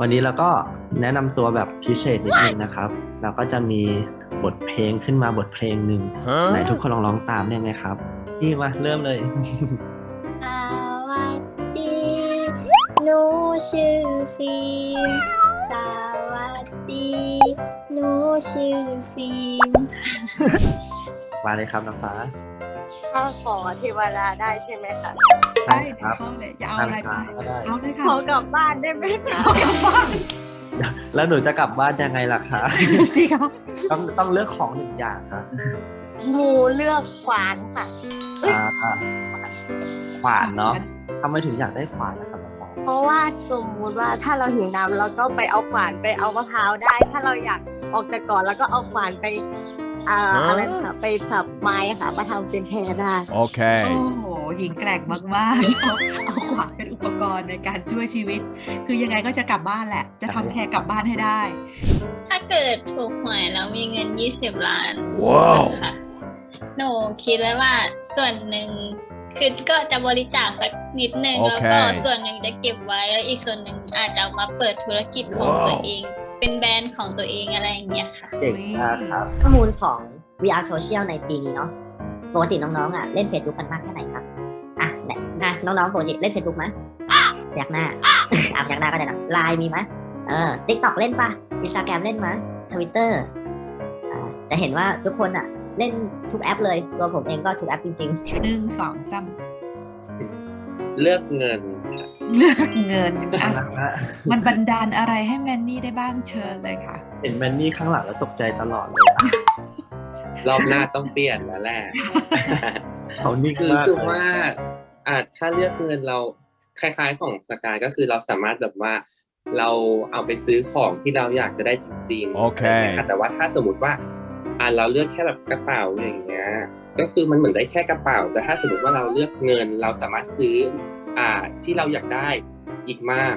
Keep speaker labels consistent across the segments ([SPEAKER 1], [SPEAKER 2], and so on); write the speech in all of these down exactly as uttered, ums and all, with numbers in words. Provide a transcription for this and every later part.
[SPEAKER 1] วันนี้เราก็แนะนำตัวแบบพิเศษนิดนึงนะครับเราก็จะมีบทเพลงขึ้นมาบทเพลงหนึ่งไหนทุกคนลองร้องตามได้ไหมครับพี่มาเริ่มเลย
[SPEAKER 2] สวัสดีหนูชื่อฟิล์มสวัสดีหนูชื่อฟิล์ม
[SPEAKER 1] มาเลยครับน้องฟ้า
[SPEAKER 3] ข้าขอเทวดาได้ใช่ไหมคะ
[SPEAKER 1] ได้ครับ
[SPEAKER 4] เข้าเลยจะเอาอะไรไป
[SPEAKER 1] ก็ได้
[SPEAKER 4] เอาเลยค่ะ
[SPEAKER 3] ขอกลับบ้านได้ไหมคะ
[SPEAKER 4] เอากลับบ้าน
[SPEAKER 1] แล้วหนูจะกลับบ้านยังไงล่ะคะ
[SPEAKER 4] สิครับ
[SPEAKER 1] ต้องต้องเลือกของหนึ่งอย่างครับ
[SPEAKER 3] หมูเลือกขวานค่ะ
[SPEAKER 1] อ่าขวานเนาะทำไมถึงอยากได้ขวานนะครับน้องฟ้า
[SPEAKER 3] เพราะว่าสมมุติว่าถ้าเราหิวน้ำเราก็ไปเอาขวานไปเอามะพร้าวได้ ถ้าเราอยากออกจากก่อนแล้วก็เอาขวานไปอ่าอะไรค่ะไปสับไม้ค่ะมาทำเป็นแพรได้
[SPEAKER 4] โอ้
[SPEAKER 5] Okay.
[SPEAKER 4] โหหญิงแกร่งมากๆเอาเอาขวานเป็นอุปกรณ์ในการช่วยชีวิต คือยังไงก็จะกลับบ้านแหละ จะทำแพรกลับบ้านให้ได้
[SPEAKER 2] ถ้าเกิดถูกหวยแล้วมีเงินยี่สิบล้าน
[SPEAKER 5] ว้าว
[SPEAKER 2] ค่ะหนูคิดไว้ว่าส่วนหนึ่งคือก็จะบริจาคสักนิดนึง
[SPEAKER 5] โอ
[SPEAKER 2] แล้ว
[SPEAKER 5] เค
[SPEAKER 2] ก็ส่วนหนึ่งจะเก็บไว้แล้วอีกส่วนหนึ่งอาจจะเอามาเปิดธุรกิจของตัวเอง เป็นแบรนด์ของตัวเองอะไรอย่างเงี้ยค่ะ
[SPEAKER 1] เก่งมากครับ
[SPEAKER 6] ข้อมูลของ วี อาร์ Social ในปีนี้เนาะปกติน้องๆอ่ะเล่น Facebook กันมากแค่ไหนครับอ่ะเนี่ยนะน้องๆปกติเล่น Facebook มั้ยพยักหน้า อ่ะพยักหน้าก็ได้นะไลน์มีมั้ยเออ TikTok เล่นป่ะ Instagram เล่นมั้ย Twitter อ่าจะเห็นว่าทุกคนอ่ะเล่นทุกแอปเลยตัวผมเองก็ทุกแอปจริงๆ
[SPEAKER 4] หนึ่งสองสาม
[SPEAKER 7] เลือกเงิน
[SPEAKER 4] เลือกเงินอ่ะมันบันดาลอะไรให้แมนนี่ได้บ้างเชิญเลยค่ะ
[SPEAKER 1] เห็นแมนนี่ข้างหลังแล้วตกใจตลอดเลยอะ
[SPEAKER 7] รอบหน้าต้องเปลี่ยนแล้วแหละ
[SPEAKER 1] เขานิ่ง
[SPEAKER 7] คือ
[SPEAKER 1] มาก
[SPEAKER 7] สุด
[SPEAKER 1] เลย
[SPEAKER 7] ว่าอาจถ้าเลือกเงินเราคล้ายๆของสกายก็คือเราสามารถแบบว่าเราเอาไปซื้อของที่เราอยากจะได้จริงๆ
[SPEAKER 5] โอเค
[SPEAKER 7] นะคะแต่ว่าถ้าสมมติว่าอ่าเราเลือกแค่แบบกระเป๋าอย่างเงี้ยก็คือมันเหมือนได้แค่กระเป๋า แต่ถ้าสมมติว่าเราเลือกเงินเราสามารถซื้ออ่าที่เราอยากได้อีกมาก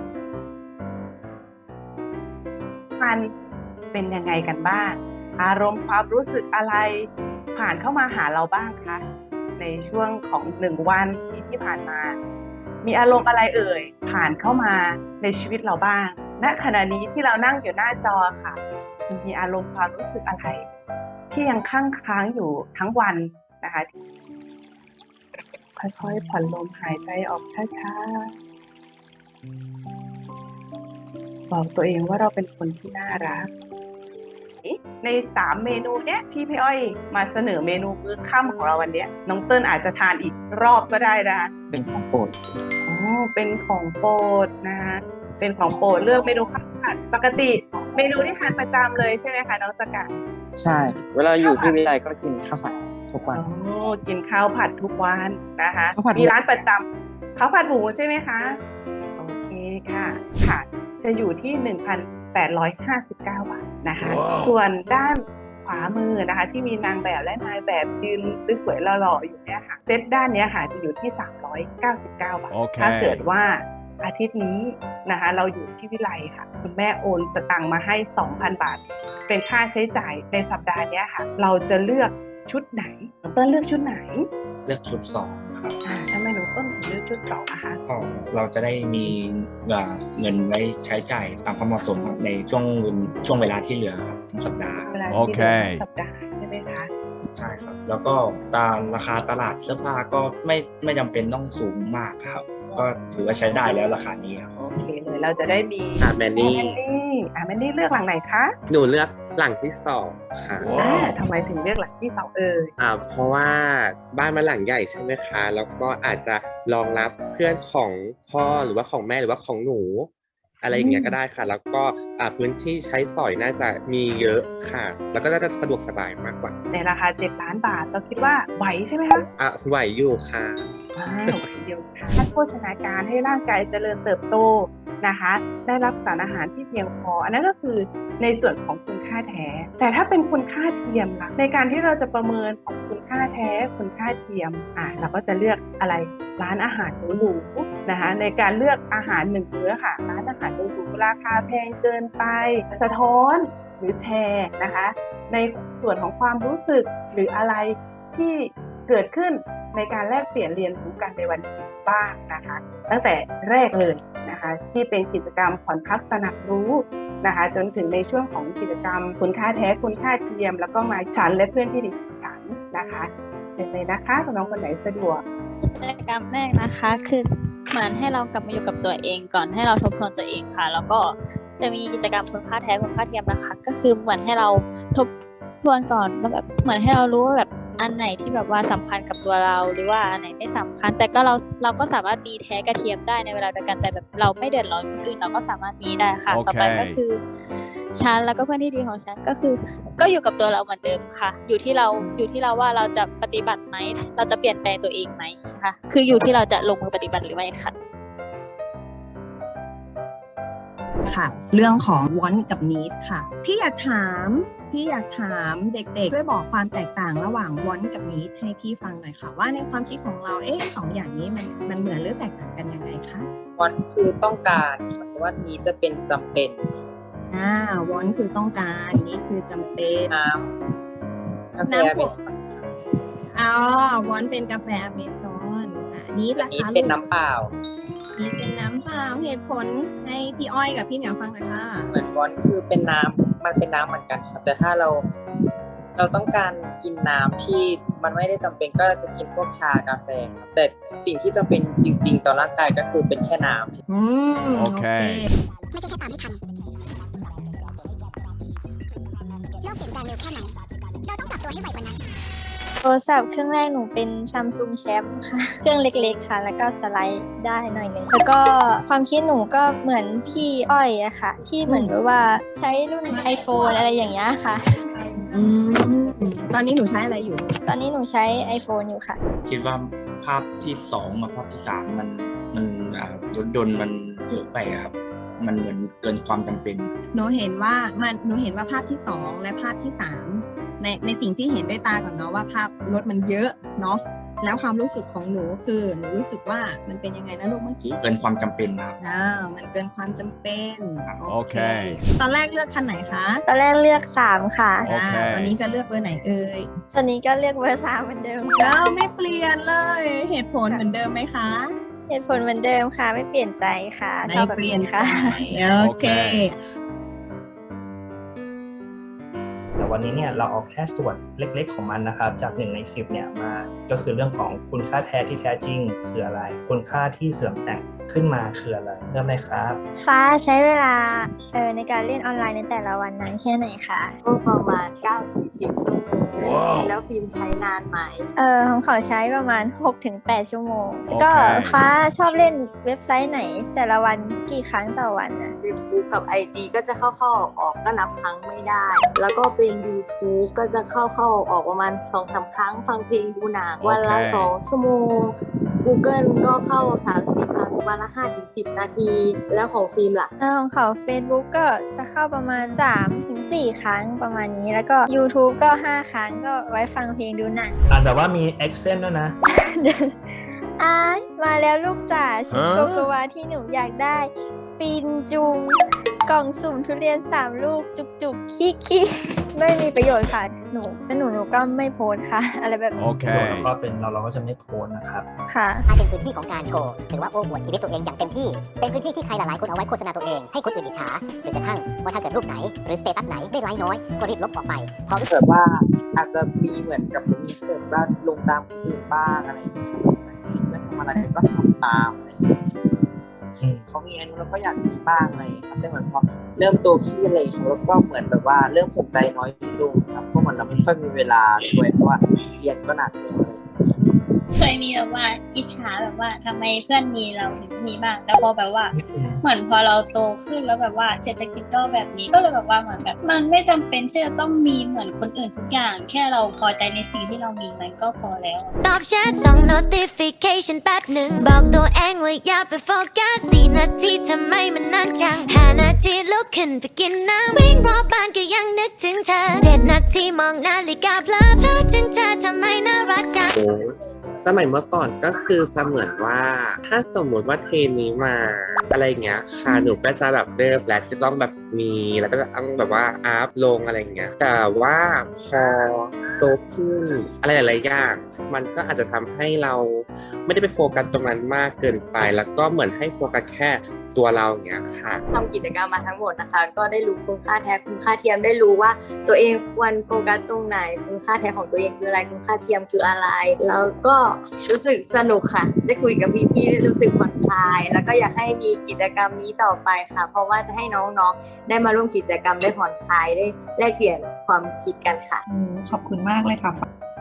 [SPEAKER 8] มันเป็นยังไงกันบ้าง อารมณ์ความรู้สึกอะไรผ่านเข้ามาหาเราบ้างคะในช่วงของหนึ่งวันที่ที่ผ่านมา มีอารมณ์อะไรเอ่ยผ่านเข้ามาในชีวิตเราบ้างณขณะนี้ที่เรานั่งอยู่หน้าจอค่ะ มีอารมณ์ความรู้สึกอะไร ที่ยังค้างค้างอยู่ทั้งวันนะคะค่อยๆผ่อนลมหายใจออกช้าๆบอกตัวเองว่าเราเป็นคนที่น่ารักในสามเมนูเนี้ยที่พี่อ้อยมาเสนอเมนูมื้อค่ำของเราวันเนี้ยน้องเติ้ลอาจจะทานอีกรอบก็ได้นะคะ
[SPEAKER 1] เป็นของโปรด
[SPEAKER 8] อ๋อเป็นของโปรดนะคะเป็นของโปรดเลือกเมนูข้าวผัดปกติเมนูที่ทานประจำเลยใช่ไหมคะน้องสกัด
[SPEAKER 9] ใช่ เวลาอยู่ที่วิไลก็กินข้าวผัดทุกวัน
[SPEAKER 8] โอ้กินข้าวผัดทุกวันนะคะ
[SPEAKER 9] ข้าวผัดหมู
[SPEAKER 8] มีร้านประจำข้าวผัดหมูใช่ไหมคะโอเคค่ะค่ะจะอยู่ที่ หนึ่งพันแปดร้อยห้าสิบเก้า บาทนะคะ ส่วนด้านขวามือนะคะที่มีนางแบบและนายแบบยืนสวยๆหล่อๆอยู่เนี่ยค่ะเซตด้านเนี้ยค่ะจะอยู่ที่ สามร้อยเก้าสิบเก้า บาท
[SPEAKER 5] โอเค
[SPEAKER 8] ถ้าเกิดว่าอาทิตย์นี้นะคะเราอยู่ที่วิไลค่ะคุณแม่โอนสตังค์มาให้ สองพัน บาท เป็นค่าใช้จ่ายในสัปดาห์เนี้ยค่ะเราจะเลือกชุดไหนน้องเติ้ลเลือกชุดไหน
[SPEAKER 9] เลือกชุดสองครับ
[SPEAKER 8] อ่าทำไมน้องเติ้ลถึงเลือกชุดสองนะคะ
[SPEAKER 9] ก็เราจะได้มีเอ่อเงินไว้ใช้จ่ายตามความเหมาะสมครับในช่วงช่วงเวลาที่เหลือครับทั้งสัปดาห์
[SPEAKER 8] เวลา
[SPEAKER 5] โอ
[SPEAKER 8] ที่
[SPEAKER 5] เค
[SPEAKER 8] เดือนสัปดาห์ใช่ไหมคะ
[SPEAKER 9] ใช่ครับ แล้วก็ตามราคาตลาดเสื้อผ้าก็ไม่ไม่จำเป็นต้องสูงมากครับ ก็ถือว่าใช้ได้แล้วราคานี้ครับ
[SPEAKER 8] โอเคเลยเราจะได้มี
[SPEAKER 7] อ่ะแมนนี่
[SPEAKER 8] แมนนี่อ่าแมนนี่เลือกหลังไหนคะ
[SPEAKER 7] หนูเลือกหลังที่สองค่ะ
[SPEAKER 8] อ่าทำไมถึงเลือกหลังที่สองเอ่ย
[SPEAKER 7] อ่าเพราะว่าบ้านมันหลังใหญ่ใช่ไหมคะ แล้วก็อาจจะรองรับเพื่อนของพ่อหรือว่าของแม่หรือว่าของหนู อะไรอย่างเงี้ยก็ได้ค่ะ แล้วก็อ่าพื้นที่ใช้สอยน่าจะมีเยอะค่ะ แล้วก็น่าจะสะดวกสบายมากกว่า
[SPEAKER 8] ในราคาเจ็ดล้านบาทเราคิดว่าไหวใช่ไหมคะ
[SPEAKER 7] อ่ะไหวอยู่ค่ะ
[SPEAKER 8] อ่าไหวเดียวค่ะท่านโภชนาการให้ร่างกายเจริญเติบโตนะคะ ได้รับสารอาหารที่เพียงพอ อันนั้นก็คือในส่วนของคุณค่าแท้ แต่ถ้าเป็นคุณค่าเทียมล่ะในการที่เราจะประเมินของคุณค่าแท้คุณค่าเทียมอ่าเราก็จะเลือกอะไรร้านอาหารหรูๆนะคะในการเลือกอาหารหนึ่งมื้อค่ะร้านอาหารหรูๆราคาแพงเกินไปสะท้อนหรือแชร์นะคะ ในส่วนของความรู้สึกหรืออะไรที่เกิดขึ้นในการแลกเปลี่ยนเรียนรู้กันในวันนี้บ้างนะคะ ตั้งแต่แรกเลยนะคะที่เป็นกิจกรรมผ่อนพักตระหนักรู้นะคะจนถึงในช่วงของกิจกรรมคุณค่าแท้คุณค่าเทียม แล้วก็มาฉันและเพื่อนที่ดีของฉันนะคะเชิญเลยนะคะคุณน้องคนไหนสะดวก
[SPEAKER 2] กิจกรรมแรกนะคะคือเหมือนให้เรากลับมาอยู่กับตัวเองก่อนให้เราทบทวนตัวเองค่ะ แล้วก็จะมีกิจกรรมคุณค่าแท้คุณค่าเทียมนะคะ ก็คือเหมือนให้เราทบทวนก่อนว่าแบบเหมือนให้เรารู้ว่าแบบอันไหนที่แบบว่าสำคัญกับตัวเราหรือว่าอันไหนไม่สำคัญ แต่ก็เราเราก็สามารถมีแท้กระเทียมได้ในเวลาเดียวกันแต่แบบเราไม่เดือดร้อนคนอื่นเราก็สามารถมีได้ค่ะ ต่อไปก็คือฉันแล้วก็เพื่อนที่ดีของฉันก็คือก็อยู่กับตัวเราเหมือนเดิมค่ะ อยู่ที่เราอยู่ที่เราว่าเราจะปฏิบัติไหมเราจะเปลี่ยนแปลงตัวเองไหมค่ะคืออยู่ที่เราจะลงมือปฏิบัติหรือไม่ค่ะ
[SPEAKER 5] ค่ะเรื่องของ want กับ need ค่ะพี่อยากถามพี่อยากถามเด็กๆช่วยบอกความแตกต่างระหว่าง want กับ need ให้พี่ฟังหน่อยค่ะว่าในความคิดของเราเอ๊ะสองอย่างนี้มันมันเหมือนหรือแตกต่างกันยังไงคะ
[SPEAKER 10] want คือต้องการค่ะแต่ว่า need จะเป็นจำเป็น
[SPEAKER 5] อ่า want คือต้องการ need คือจำเป็น
[SPEAKER 10] น้ำกาแฟ
[SPEAKER 5] น้ำ
[SPEAKER 10] เมส
[SPEAKER 5] อ๋อ want เป็นกาแฟอเมซอนอ่า need ล่ะ
[SPEAKER 10] need
[SPEAKER 5] คะ
[SPEAKER 10] เป็นน้ำเปล่า
[SPEAKER 5] need เป็นน้ำเปล่าเหตุผลให้พี่อ้อยกับพี่เหมียวฟังหน่อยค่ะ
[SPEAKER 10] เหมือน want คือเป็นน้ำมันเป็นน้ำเหมือนกันครับแต่ถ้าเราเราต้องการกินน้ำที่มันไม่ได้จำเป็นก็จะกินพวกชากาแฟครับแต่สิ่งที่จำเป็นจริงๆต่อร่างกายก็คือเป็นแค่น้ำ
[SPEAKER 5] อืมโอเค
[SPEAKER 11] ไม่ใช่แค่ตามให้ทันโลกเปลี่ยนแปลงเร็วแค่ไหนเราต้องปรับตัวให้ไวกว่านั้น
[SPEAKER 2] โทรศัพท์เครื่องแรกหนูเป็น Samsung Champ ค่ะ เครื่องเล็กๆค่ะ แล้วก็สไลด์ได้หน่อยนึง แล้วก็ความคิดหนูก็เหมือนพี่อ้อยอะค่ะ ที่เหมือนแบบว่าใช้รุ่น iPhone อะไรอย่างเงี้ยค่ะ
[SPEAKER 5] อืมตอนนี้หนูใช้อะไรอยู่
[SPEAKER 2] ตอนนี้หนูใช้ iPhone อยู่ค่ะ
[SPEAKER 9] คิดว่าภาพที่สองกับภาพที่สามมันมันอ่ารถยนต์มันเยอะไปอะครับ มันเหมือนเกินความจำเป็น
[SPEAKER 5] หนูเห็นว่ามันหนูเห็นว่าภาพที่สองและภาพที่สามในในสิ่งที่เห็นด้วยตาก่อนเนาะว่าภาพรถมันเยอะเนาะแล้วความรู้สึกของหนูคือหนูรู้สึกว่ามันเป็นยังไงนะลูกเมื่อกี้
[SPEAKER 9] เกินความจำเป็นครับ
[SPEAKER 5] อ่ามันเกินความจำเป็น
[SPEAKER 11] โอเค
[SPEAKER 5] ตอนแรกเลือกคันไหนคะ
[SPEAKER 2] ตอนแรกเลือกสามค่ะ
[SPEAKER 5] อ่าตอนนี้จะเลือกเบอร์ไหนเอ่ย
[SPEAKER 2] ตอนนี้ก็เลือกเบอร์สามเหมือนเดิม
[SPEAKER 5] แล้วไม่เปลี่ยนเลยเหตุผลเหมือนเดิมไหมคะ
[SPEAKER 2] เหตุผลเหมือนเดิมค่ะ ไม่เปลี่ยนใจค่ะช
[SPEAKER 5] ไม่
[SPEAKER 2] อบแบบ
[SPEAKER 5] เปลี่ยน
[SPEAKER 2] นี้
[SPEAKER 5] ใจ
[SPEAKER 2] ค่ะ
[SPEAKER 5] โอเค
[SPEAKER 12] แต่วันนี้เนี่ยเราเอาแค่ส่วนเล็กๆของมันนะครับจากหนึ่งในสิบเนี่ยมาก็คือเรื่องของคุณค่าแท้ที่แท้จริงคืออะไรคุณค่าที่เสริมแต่งขึ้นมาคืออะไรเริ่มเลยครับ
[SPEAKER 2] ฟ้าใช้เวลาเออในการเล่นออนไลน์ในแต่ละวันนั้นแค่ไหนคะ
[SPEAKER 3] ก็ประมาณ เก้าถึงสิบ ชั่วโมงแล้วฟิล์มใช้นานไหม
[SPEAKER 2] เออของเขาใช้ประมาณ หกถึงแปด ชั่วโมงก็ฟ้าชอบเล่นเว็บไซต์ไหน แต่ละวันกี่ครั้งต่อวันนะ
[SPEAKER 3] Facebook กับ ไอ จี ก็จะเข้าๆออกๆก็นับครั้งไม่ได้ แล้วก็เป็น YouTube ก็จะเข้าๆออกๆประมาณ สองสาม ครั้งฟังเพลงดูหนังวันละสองชั่วโมง Google ก็เข้า สามสี่ ครั้งวันละ ห้าถึงสิบ นาที แล้วของฟิล์มล่ะ
[SPEAKER 2] เออของเขา Facebook ก็จะเข้าประมาณ สามถึงสี่ ครั้งประมาณนี้ แล้วก็ YouTube ก็ ห้า ครั้งก็ไว้ฟังเพลงดูหนัง
[SPEAKER 12] อ่านแบบว่ามี accent ด้วยนะ
[SPEAKER 2] อ้ายมาแล้วลูกจ๋าชุดโกโกวาที่หนูอยากได้ ฟินจุง กล่องสุ่มทุเรียนสามลูกจุกจุกขี้ขี้ไม่มีประโยชน์ค่ะ หนูเป็นหนูหนูก็ไม่โพสต์ค่ะ อะไรแบบนี้
[SPEAKER 12] โอเคแล้วก็เป็นเราเราก็จะไม่โพสต์นะครับ
[SPEAKER 2] ค่ะ
[SPEAKER 11] ถ้าเป็นพื้นที่ของการโชว์หรือว่าโอ้อวดชีวิตตัวเองอย่างเต็มที่ เป็นพื้นที่ที่ใครหลายๆคนเอาไว้โฆษณาตัวเองให้คนอื่นอิจฉาหรือกระทั่งว่าถ้าเกิดรูปไหนหรือสเตตัสไหนได้ไลค์น้อยก็รีบลบออกไปเพราะ
[SPEAKER 10] เกิดว่าอาจจะมีเหมือนกับมีเกิดว่าลงตามคนอื่นบ้างอะไรอย่างเงี้ยไม่ทำอะไรก็ทำตามอะไรอย่างเงี้ยเขามีอันนู้นเราก็อยากมีบ้างอะไรอย่างเงี้ยครับแต่เหมือนพอเริ่มโตขึ้นอะไรอย่างเงี้ยแล้วก็เหมือนแบบว่าเริ่มสนใจน้อยลงครับเพราะเหมือนเราไม่ค่อยมีเวลาด้วยเพราะว่าเรียนก็หนักเลยอะไรอย่างเงี้ย
[SPEAKER 2] เคยมีแบบว่าอิจฉาแบบว่าทำไมเพื่อนมีเราถึงมีบ้างแต่พอแบบว่าเหมือนพอเราโตขึ้นแล้วแบบว่าเศรษฐกิจก็แบบนี้ก็เลยแบบว่าเหมือนแบบมันไม่จำเป็นที่จะต้องมีเหมือนคนอื่นทุกอย่าง แค่เราพอใจในสิ่งที่เรามีมันก็พอแล้ว
[SPEAKER 11] ตอบแชทส่ง notification แป๊บหนึ่งบอกตัวเองว่าอย่าไปโฟกัสสี่นาทีทำไมมันนานจังห้านาทีลุกขึ้นไปกินน้ำวิ่งรอบบ้านก็ยังนึกถึงเธอเจ็ดนาทีมองนาฬิกาเพลอเพลอถึงเธอทำไมน่ารักจัง
[SPEAKER 7] โอ้สมัยเมื่อก่อนก็คือจะเหมือนว่า ถ้าสมมุติว่าเทรนนี้มาอะไรอย่างเงี้ยค่ะหนูก็จะแบบเริ่มแล้วจะต้องแบบมีแล้วก็จะต้องแบบว่าอัพลงอะไรอย่างเงี้ยแต่ว่าพอโตขึ้นอะไรหลายๆอย่างมันก็อาจจะทำให้เราไม่ได้ไปโฟกัสตรงนั้นมากเกินไปแล้วก็เหมือนให้โฟกัสแค่ตัวเราอย่างเงี้ยค่ะ
[SPEAKER 3] ทำกิจกรรมมาทั้งหมดนะคะก็ได้รู้คุณค่าแท้คุณค่าเทียมได้รู้ว่าตัวเองควรโฟกัสตรงไหนคุณค่าแท้ของตัวเองคืออะไรคุณค่าเทียมคืออะไรแล้วก็รู้สึกสนุกค่ะได้คุยกับพี่ๆได้รู้สึกผ่อนคลายแล้วก็อยากให้มีกิจกรรมนี้ต่อไปค่ะเพราะว่าจะให้น้องๆได้มาร่วมกิจกรรมได้ผ่อนคลายได้แลกเปลี่ยนความคิดกันค่ะ
[SPEAKER 4] โอ้ขอบคุณมากเลยค่ะ